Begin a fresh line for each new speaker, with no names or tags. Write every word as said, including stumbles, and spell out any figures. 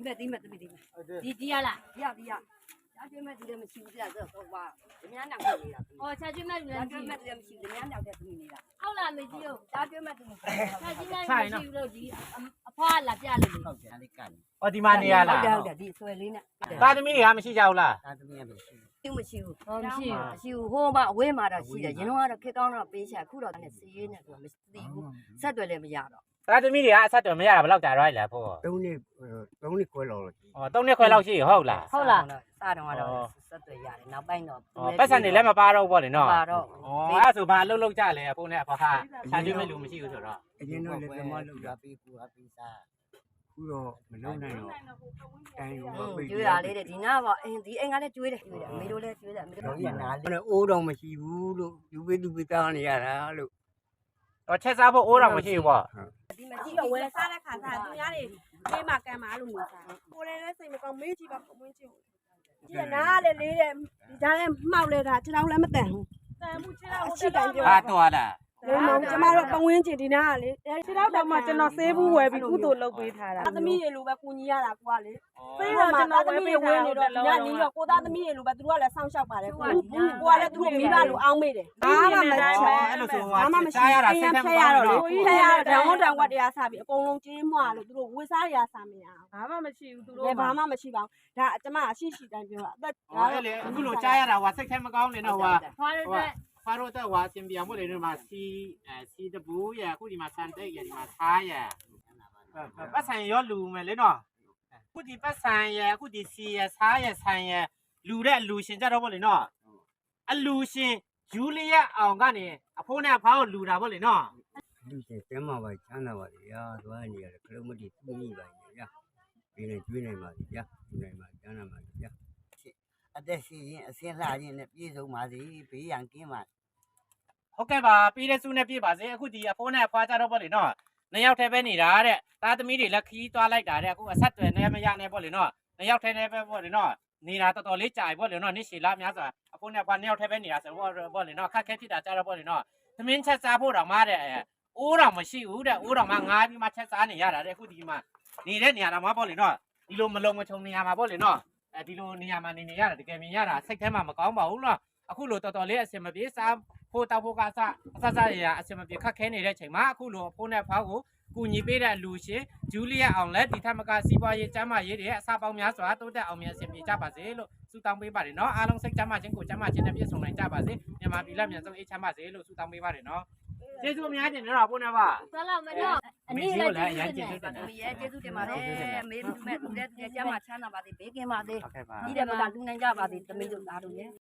ဒီမဲ့ဒီမဲ့သမီးဒီမဲ့ဒီဒီရလားဒီရဒီရရှားကျွေးမဲ့ဒီလည်းမရှိဘူးပြဆိုတော့ကွာဒီများနောက်နေနေတာ။အော်ရှားကျွေးမဲ့ဒီလည်းကျွေးမဲ့ဒီလည်းမရှိဘူးဒီများနောက်တဲ့သမီးနေတာ။ဟုတ်လားမေကြီးတို့ရှားကျွေးမဲ့ဒီမရှိဘူး။ရှားကျွေးမဲ့မရှိဘူးလို့ဒီအဖွားလာပြလို့ဟုတ်တယ်အဲ့ကန်။
ဟောဒီမှာနေရလား
ဟုတ်တယ်ဟုတ်တယ်ဒီဆွဲလေးနဲ့
။သားသမီးတွေကမရှိကြဘူးလား
။သားသမီးကမရှိဘူး
။သူမရှိဘူး။ဟောမရှိဘူး။မရှိဘူးဟိုမှာအဝေးမှာတော့ရှိတယ်။ရင်တော့ကတော့ခက်ကောင်းတော့ပေးချာခုတော့နဲ့စီးရေးနဲ့ဆိုတော့မရှိဘူး။ဆက်တွယ်လည်းမရတော့
။သားသမီးတွေကအဆက်တော်မရတာဘယ်လောက်ကြာရောလဲဖို့
။သုံးနှစ်သုံးနှစ်ခွဲလောက်
။အော်သုံးနှစ်ခွဲလောက်ရှိဟုတ်လား
။ဟုတ်လား။စတော့ကတော့ဆက်တွယ်ရတယ်။နောက်ပိုင်းတော့
ပတ်စံနေလည်းမပါတော့ဘူးပေါ့လေနော်
။ပါတော့
။အော်အဲ့ဒါဆိုဘာအလုပ်လုပ်ကြလဲအဖိုးနဲ့အဖွားဟာရှားကျွေးမဲ့လူမရှိဘူးဆိုတော့
အရင်တော့လည်းသမားလုပ်တာပြီးကူအပီးစားခုတော့မလုပ်နိုင်တော့တိုင်းရော
ပိတ်ကျွေးတာလေးတဲ့ဒီနားပေါ့အင်းဒီအိမ်ကလည်းကျွေးတယ်ကျွေးတယ်အမေတို့လည်းကျွေးတယ်အမေတို့
ကနားလည်းအိုးတော့မရှိဘူးလို့လူပေးလူပေးတောင်းနေရတာလို့
တော့ချက်စားဖို့အိုးတော့မရှိဘူးပေါ့
ဒီမှာကြည့်
တော့ဝယ်စားတဲ့ခါစားသူများတွေပေးမှကမ်းမှလို့မျိုးစားကိုလည်းလည်းစိတ်မကောင်းမေးကြည့်ပါပုံမင်းကြည့်ကြည့်နားလည်းလေးတဲ့ဒီကြားထဲမှောက်လဲတာခြေထောက်လည်းမတန်ဘူးတန်မှုခြေထောက်ကိုတက်ပြော
ဟာတော်လား
လေမောင်ကျမတို့ပဝင်းချင်ဒီနားကလေခြေထောက်တော့မှကျွန်တော်ဆေးဘူးဝယ်ပြီးကုသိုလ်လုပ်ပေးထားတာသမီးတွေလိုပဲကိုကြီးရတာကွာလေဆေးတော့ကျွန်တော်သမီးတွေဝယ်နေတော့ညနေတော့ကိုသားသမီးတွေလိုပဲသူတို့ကလည်းစောင့်ရှောက်ပါတယ်ကိုကိုကလည်းသူတို့မိဘလိုအောင်းမေးတယ်ဘာမှမချော
အဲ့လိုဆိုဘာမှမရှိရတာစိတ်ထဲမှာ
တော့လေဖဲရတန်ဝတ်တန်ဝတ်တရားစားပြီးအကုန်လုံးကျင်းမွားလို့သူတို့ဝေစားရစားမရအောင်ဘာမှမရှိဘူးသူတို့ဘာမှမရှိပါဘူးဒါကျမအရှိရှိတိုင်းပြောတာအသက်
ဒါလေအခုလိုကြားရတာဟိုစိတ်ထဲမကောင်းနေတော့ဟိုဖွားရတဲ့ဖားတော့ဝါစင်ပြမို့လေဒီမှာစီအဲစီတဘူရအခုဒီမှာစံတိတ်ရဒီမှာသားရပတ်ဆိုင်ရောလူမယ်လေနော်အခုဒီပတ်ဆိုင်ရအခုဒီစီရသားရဆိုင်ရလူတဲ့အလူရှင်ကြတော့ဗောလေနော်အလူရှင်ယူလျက်အောင်ကနေအဖိုးနဲ့အဖွားကိုလူတာဗောလေနော်
လူရှင်ကျမ်းမှာပါချမ်းသာပါလေရာသွားနေရတယ်ခလုံးမတိသူ့မိပါလေရာဒီနေ့ကျွေးနိုင်ပါလေရာကျွေးနိုင်ပါကျမ်းသာပါလေရာအသက်ရှိရင်အစင်းလှခြင်းနဲ့ပြည့်စုံပါစေဘေးရန်ကင်းပါ
ဟုတ်ကဲ့ပါပြီးတဲ့စုနဲ့ပြည့်ပါစေအခုဒီအဖိုးနဲ့အဖွားကြတော့ဗောလေနော်နှစ်ယောက်တည်းပဲနေတာတဲ့သားသမီးတွေလက်ခီးသွားလိုက်တာတဲ့အခုအဆက်တွေနဲ့မရနဲ့ဗောလေနော်နှစ်ယောက်တည်းနဲ့ပဲဗောလေနော်နေတာတော်တော်လေးကြာပြီဗောလေနော်နေ့ရှည်လားများစွာအဖိုးနဲ့အဖွားနှစ်ယောက်တည်းပဲနေတာဆိုဗောဗောလေနော်ခက်ခဲဖြစ်တာကြတော့ဗောလေနော်သမင်းချက်စားဖို့တော့မားတဲ့အိုးတော့မရှိဘူးတဲ့အိုးတော့မှငားပြီးမှချက်စားနေရတာတဲ့အခုဒီမှာနေတဲ့နေရာတော့မှဗောလေနော်ဒီလိုမလုံးမချုံနေရမှာဗောလေနော်အဲဒီလိုနေရာမှာနေနေရတာတကယ်မြင်ရတာစိတ်ထဲမှာမကောင်းပါဘူးနော်အခုလိုတော်တော်လေးအစင်မပြေစားဖို့တောက်ဖို့ကစားအဆဆရအစင်မပြေခက်ခဲနေတဲ့အချိန်မှာအခုလိုအဖိုးနဲ့ဖွားကိုကူညီပေးတဲ့လူရှင်ဂျူလီယာအောင်လက်ဒီထက်မကစီးပွားရေးကျမ်းမာရေးတွေအစပေါင်းများစွာတိုးတက်အောင်မြင်အစင်ပြေကြပါစေလို့ဆုတောင်းပေးပါတယ်နော်အားလုံးစိတ်ကျမ်းမာခြင်းကိုကျမ်းမာခြင်းနဲ့ပြည့်စုံနိုင်ကြပါစေမြန်မာပြည်လက်မြန်ဆုံးအေးချမ်းပါစေလို့ဆုတောင်းပေးပါတယ်နော်ကျေးဇူးအများကြီးတင်တော့ဖိုးနဲ့ပါ
ဆက်လောက်မတော့အနည်းလည်းရမ်းကျေးဇူးတင်တယ်ကျေးဇူးတင်ပါတယ်မေးမဲ့လူလည်းကျမ်းမာချမ်းသာပါစေဘေးကင်းပါစေဒီတဲ့မှာလူနိုင်ကြပါစေသမီးတို့သားတို့ရဲ့